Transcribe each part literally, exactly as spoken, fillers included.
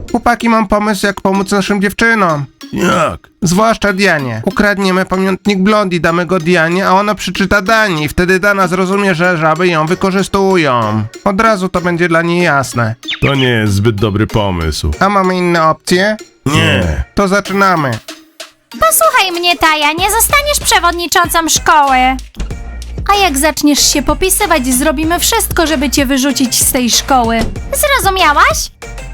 Chłopaki, mam pomysł, jak pomóc naszym dziewczynom. Jak? Zwłaszcza Dianie. Ukradniemy pamiątnik Blondie, damy go Dianie, a ona przeczyta Dani. Wtedy Dana zrozumie, że żaby ją wykorzystują. Od razu to będzie dla niej jasne. To nie jest zbyt dobry pomysł. A mamy inne opcje? Nie. To zaczynamy. Posłuchaj mnie, Taja, nie zostaniesz przewodniczącą szkoły. A jak zaczniesz się popisywać, zrobimy wszystko, żeby cię wyrzucić z tej szkoły. Zrozumiałaś?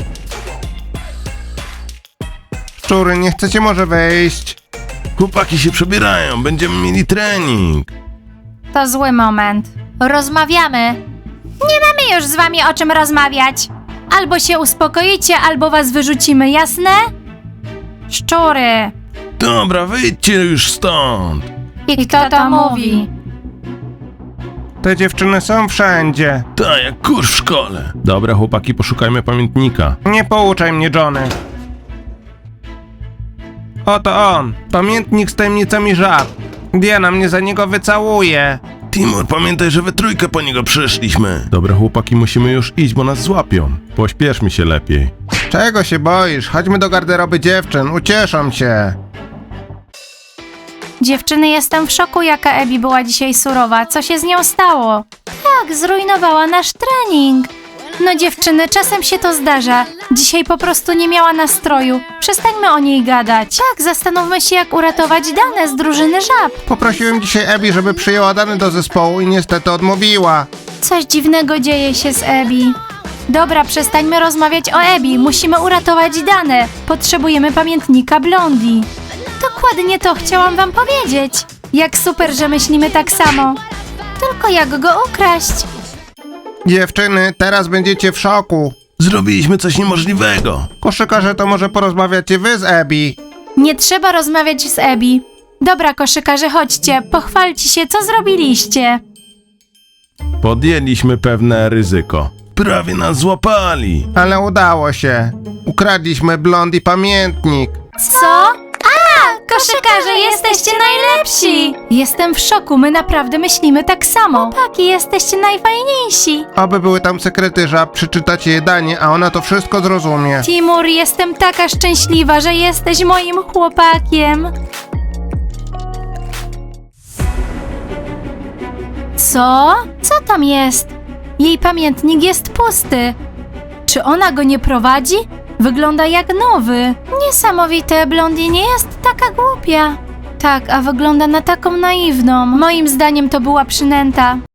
Szczury, nie chcecie może wejść? Chłopaki się przebierają, będziemy mieli trening. To zły moment. Rozmawiamy. Nie mamy już z wami o czym rozmawiać. Albo się uspokoicie, albo was wyrzucimy, jasne? Szczury. Dobra, wyjdźcie już stąd. I kto to mówi? Te dziewczyny są wszędzie. Tak, jak kurz w szkole. Dobra, chłopaki, poszukajmy pamiętnika. Nie pouczaj mnie, Johnny. Oto on. Pamiętnik z tajemnicami żab. Diana mnie za niego wycałuje. Timur, pamiętaj, że we trójkę po niego przyszliśmy. Dobra, chłopaki, musimy już iść, bo nas złapią. Pośpieszmy się lepiej. Czego się boisz? Chodźmy do garderoby dziewczyn, ucieszą się. Dziewczyny, jestem w szoku, jaka Ebi była dzisiaj surowa. Co się z nią stało? Tak, zrujnowała nasz trening. No dziewczyny, czasem się to zdarza. Dzisiaj po prostu nie miała nastroju. Przestańmy o niej gadać. Tak, zastanówmy się, jak uratować Danę z drużyny żab. Poprosiłem dzisiaj Ebi, żeby przyjęła Dany do zespołu i niestety odmówiła. Coś dziwnego dzieje się z Ebi. Dobra, przestańmy rozmawiać o Ebi. Musimy uratować Danę. Potrzebujemy pamiętnika Blondie. Dokładnie to chciałam wam powiedzieć. Jak super, że myślimy tak samo. Tylko jak go ukraść? Dziewczyny, teraz będziecie w szoku. Zrobiliśmy coś niemożliwego. Koszykarze, to może porozmawiacie wy z Ebi. Nie trzeba rozmawiać z Ebi. Dobra, koszykarze, chodźcie. Pochwalcie się, co zrobiliście. Podjęliśmy pewne ryzyko. Prawie nas złapali. Ale udało się. Ukradliśmy Blondie pamiętnik. Co? A, koszykarze, jesteście najlepsi! Jestem w szoku, my naprawdę myślimy tak samo. Chłopaki, jesteście najfajniejsi. Oby były tam sekrety żab, przeczytacie je Danie, a ona to wszystko zrozumie. Timur, jestem taka szczęśliwa, że jesteś moim chłopakiem. Co? Co tam jest? Jej pamiętnik jest pusty. Czy ona go nie prowadzi? Wygląda jak nowy. Niesamowite, Blondie nie jest taka głupia. Tak, a wygląda na taką naiwną. Moim zdaniem to była przynęta.